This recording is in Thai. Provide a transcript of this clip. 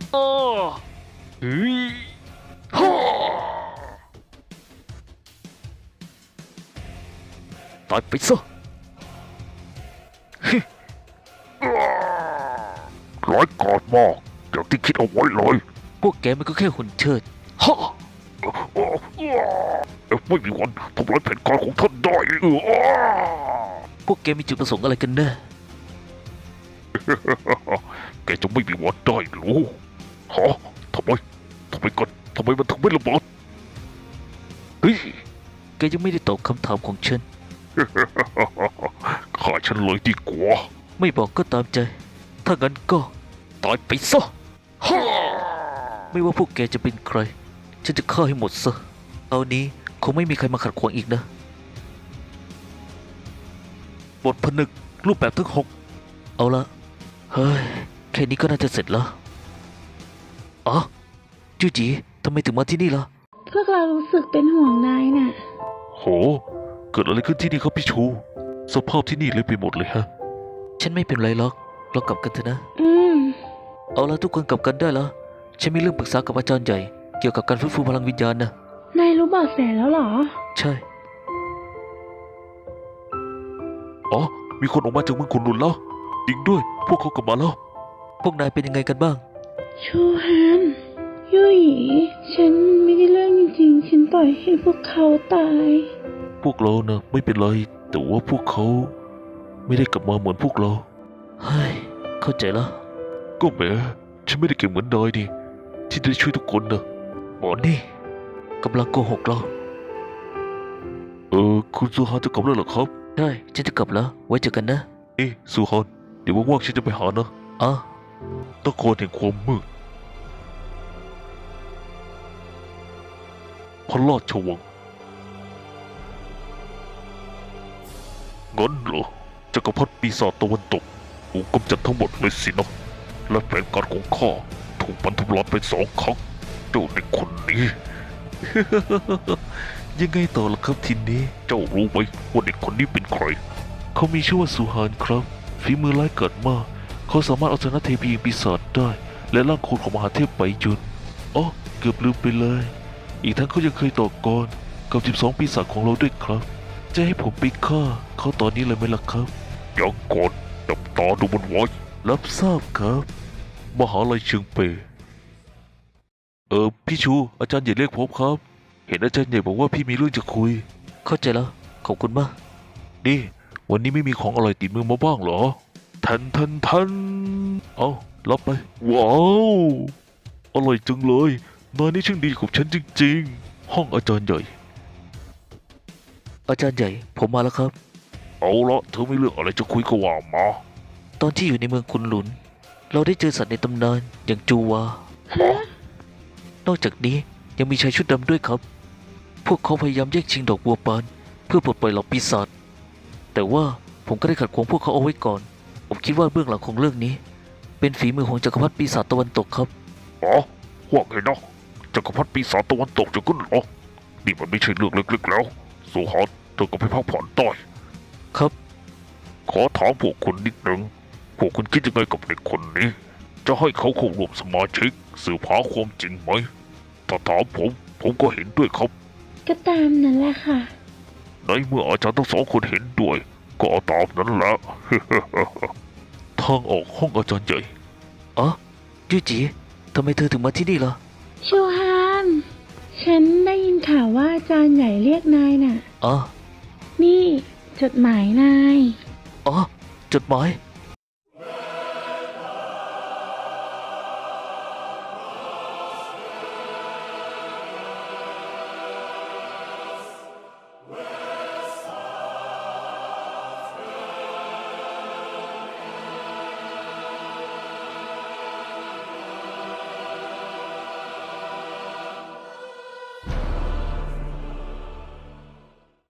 อ้อเฮ้ยฮ่าตายไปซะร้ายกาจมากอย่างที่คิดเอาไว้เลยพวกแกมันก็แค่หุ่นเชิดฮ่าไม่มีวันทำลายแผนการของท่านได้พวกแกมีจุดประสงค์อะไรกันแน่แกจะไม่มีวันได้รู้ฮะทำไมกันทำไมมันถึงไม่ระเบิดเฮ้ยแกยังไม่ได้ตอบคำถามของฉันฆ่าฉันเลยดีกว่าไม่บอกก็ตามใจ ถ้างั้นก็ตายไปซะฮ่าไม่ว่าพวกแกจะเป็นใคร ฉันจะฆ่าให้หมดซะเอานี้คงไม่มีใครมาขัดขวางอีกนะ บทผนึกรูปแบบทั้ง6เอาละเฮ้ย แค่นี้ก็น่าจะเสร็จแล้วอ๋อจูจีทำไมถึงมาที่นี่ล่ะพวกเรารู้สึกเป็นห่วงนายน่ะโหเกิดอะไรขึ้นที่นี่ครับพี่ชูสภาพที่นี่เละไปหมดเลยฮะฉันไม่เป็นไรหรอกเรากลับกันเถอะนะมเอาละทุกคนกลับกันได้แล้วฉันมีเรื่องปรึกษากับอาจารย์ใหญ่เกี่ยวกับการฟื้นฟูพลังวิญญาณนะนายรู้เบาะแสแล้วเหรอใช่อ๋อมีคนออกมาจากเมืองขุนหนุนแล้วจริงด้วยพวกเขากลับมาแล้วพวกนายเป็นยังไงกันบ้างชูฮันยุยฉันไม่ได้เรื่องจริงๆ ฉันปล่อยให้พวกเขาตายพวกเรานะไม่เป็นไรแต่ว่าพวกเขาไม่ได้กลับมาเหมือนพวกเราเฮ้ย เข้าใจแล้วก็แหมฉันไม่ได้เก่งเหมือนนายดิที่ได้ช่วยทุกคนนะหมอนี่กำลังโกหกเราคุณซูฮานจะกลับแล้วเหรอครับใช่ ฉันจะกลับแล้ว ไว้เจอกันนะซูฮานเดี๋ยวว่างๆฉันจะไปหานะอ๋อนครแห่งความมืดพระราชวังงั้นเหรอจักรพรรดิปีศาจตะวันตกถูกกำจัดทั้งหมดเลยสินะและแผนการของข้าถูกบรรทุลายไป2 ครั้งเจ้าเด็กคนนี้ยังไงต่อล่ะครับทีนี้เจ้ารู้ไหมว่าเด็กคนนี้เป็นใครเขามีชื่อว่าสุฮานครับ ฝีมือร้ายกาจมาก เขาสามารถเอาชนะเทพีปีศาจได้ และร่างโคลนของมหาเทพไปยุนอ๋อเกือบลืมไปเลย อีกทั้งเขายังเคยต่อกรกับ12ปีศาจของเราด้วยครับ จะให้ผมไปฆ่าเขาตอนนี้เลยไหมล่ะครับยังก่อนจับตาดูมันไว้รับทราบครับมหาลัยเชียงเปยพี่ชูอาจารย์ใหญ่เรียกผมครับ เห็นอาจารย์ใหญ่บอกว่าพี่มีเรื่องจะคุย เข้าใจแล้ว ขอบคุณมากนี่วันนี้ไม่มีของอร่อยติดมือมาบ้างเหรอทันเอารับไปว้าวอร่อยจังเลยนายนี่ช่างดีกับฉันจริงๆห้องอาจารย์ใหญ่อาจารย์ใหญ่ผมมาแล้วครับเอาละเธอไม่เลือกอะไรจะคุยก็ว่ามาตอนที่อยู่ในเมืองคุนหลุน เราได้เจอสัตว์ในตำนานอย่างจูวา นอกจากนี้ยังมีชายชุดดำด้วยครับ พวกเขาพยายามแย่งชิงดอกบัวปานเพื่อปลดปล่อยเหล่าปีศาจ แต่ว่าผมก็ได้ขัดขวางพวกเขาเอาไว้ก่อน ผมคิดว่าเบื้องหลังของเรื่องนี้ เป็นฝีมือของจักรพรรดิปีศาจตะวันตกครับอ๋อว่าไงนะจักรพรรดิปีศาจตะวันตกจะขึ้นเหรอนี่มันไม่ใช่เรื่องเล็กๆแล้วสุฮานเธอก็ไปพักผ่อนต่อยครับขอถามพวกคุณนิดหนึ่งพวกคุณคิดยังไงกับเด็กคนนี้ จะให้เขาเข้าร่วมสมาชิกสืบหาความจริงไหมถ้าถามผมก็เห็นด้วยครับก็ตามนั้นแหละค่ะในเมื่ออาจารย์ทั้ง2 คนเห็นด้วย ก็เอาตามนั้นแหละ ทางออกห้องอาจารย์ใหญ่อ๋อยูจีทำไมเธอถึงมาที่นี่ล่ะชูฮัน ฉันได้ยินข่าวว่าอาจารย์ใหญ่เรียกนายน่ะอ๋อนี่จดหมายนายอ๋อ จดหมาย